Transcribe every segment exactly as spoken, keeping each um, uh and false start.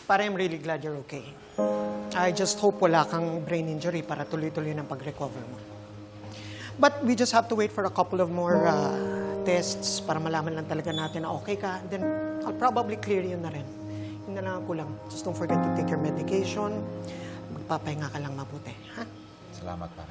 But I'm really glad you're okay. I just hope wala kang brain injury para tuloy-tuloy ng pag-recover mo. But we just have to wait for a couple of more uh, tests para malaman lang talaga natin na okay ka. Then I'll probably clear you na rin. Yun na lang ang kulang. Just don't forget to take your medication. Magpapahinga ka lang mabuti, ha? Salamat, pare.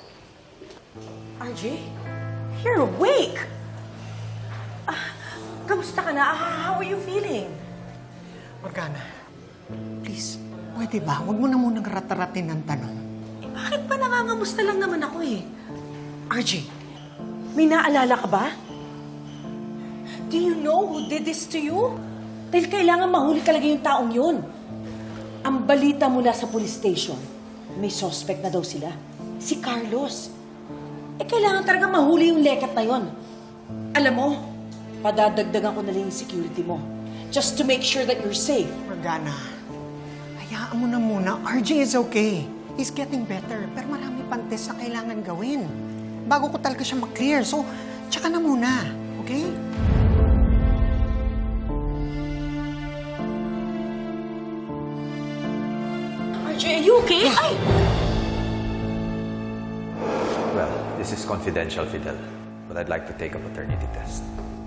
R J, you're awake! Ah, kamusta ka na? Ah, how are you feeling? Morgana, please, pwede ba? Huwag mo na munang rataratin ng tanong. Eh, bakit ba nangangamusta lang naman ako eh? R J, may naalala ka ba? Do you know who did this to you? Dahil kailangan mahuli talaga yung taong yun. Ang balita mula sa police station, may suspect na daw sila. Si Carlos. Eh, kailangan talaga mahuli yung lekat na yon. Alam mo, padadagdagan ko na lang yung security mo. Just to make sure that you're safe. Morgana, hayaan mo na muna. R J is okay. He's getting better. Pero marami pang test na kailangan gawin. Bago ko talaga siya mag-clear. So, tsaka na muna. Okay? R J, are you okay? Ay! Well, this is confidential, Fidel. But I'd like to take a paternity test.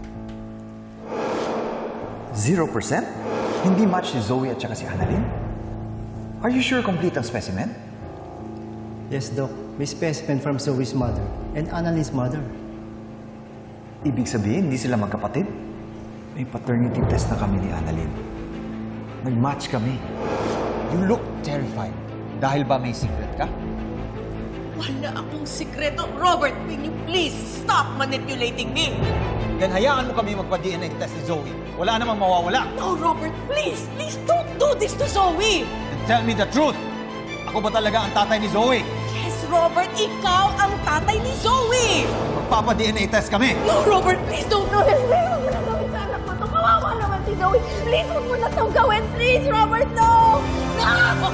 Zero percent? Hindi match si Zoe at saka si Annalyn? Are you sure complete ang specimen? Yes, Doc. May specimen from Zoe's mother and Annalyn's mother. Ibig sabihin, hindi sila magkapatid? May paternity test na kami ni Annalyn. Nag-match kami. You look terrified. Dahil ba may secret ka? Wala akong sikreto. Robert, will you please stop manipulating me? Then hayaan mo kami magpa-D N A test ni Zoe. Wala namang mawawala. No, Robert, please, please don't do this to Zoe. And tell me the truth. Ako ba talaga ang tatay ni Zoe? Yes, Robert, ikaw ang tatay ni Zoe. Magpapa-D N A test kami. No, Robert, please don't do this. Please, huwag mo na gawin sa anak mo to. Kawawa naman si Zoe. Please, huwag mo na itong gawin. Please, Robert, no! No!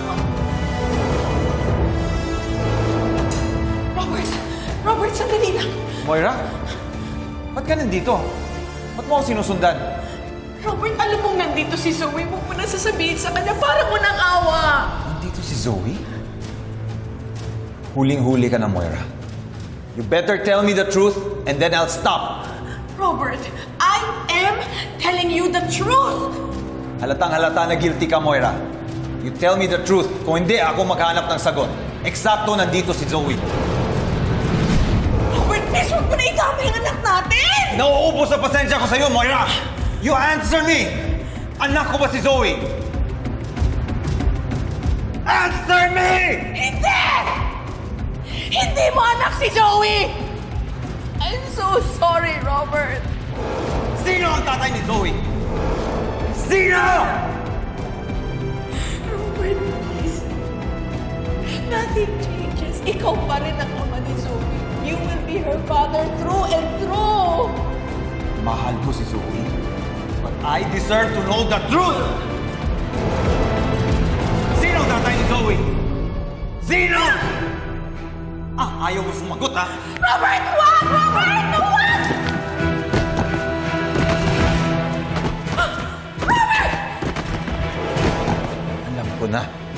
Robert! Robert, sandali lang! Moira? Ba't ka nandito? Ba't mo ako sinusundan? Robert, alam mong nandito si Zoe. Huwag mo na sasabihin sa kanya para mo ng awa. Nandito si Zoe? Huling-huli ka na, Moira. You better tell me the truth and then I'll stop. Robert, I am telling you the truth. Halatang halata na guilty ka, Moira. You tell me the truth. Kung hindi, ako maghanap ng sagot. Eksakto nandito si Zoe. Robert, please, huwag mo na idamay ang anak natin. Nauubos sa pasensya ko sa'yo, Moira! You answer me! Anak ko ba si Zoe? Answer me! Hindi! Hindi mo anak si Zoe! I'm so sorry, Robert. Sino ang tatay ni Zoe? Sino? Robert, please. Nothing changes. Ikaw pa rin ang ama ni Zoe. You will be her father through and through. Mahal ko si Zoe. But I deserve to know the truth! Sino ang tatay ni Zoe? Sino? Ah, ayaw mo sumagot, ha? Robert, wag! Robert, no, wag! Alam ko na.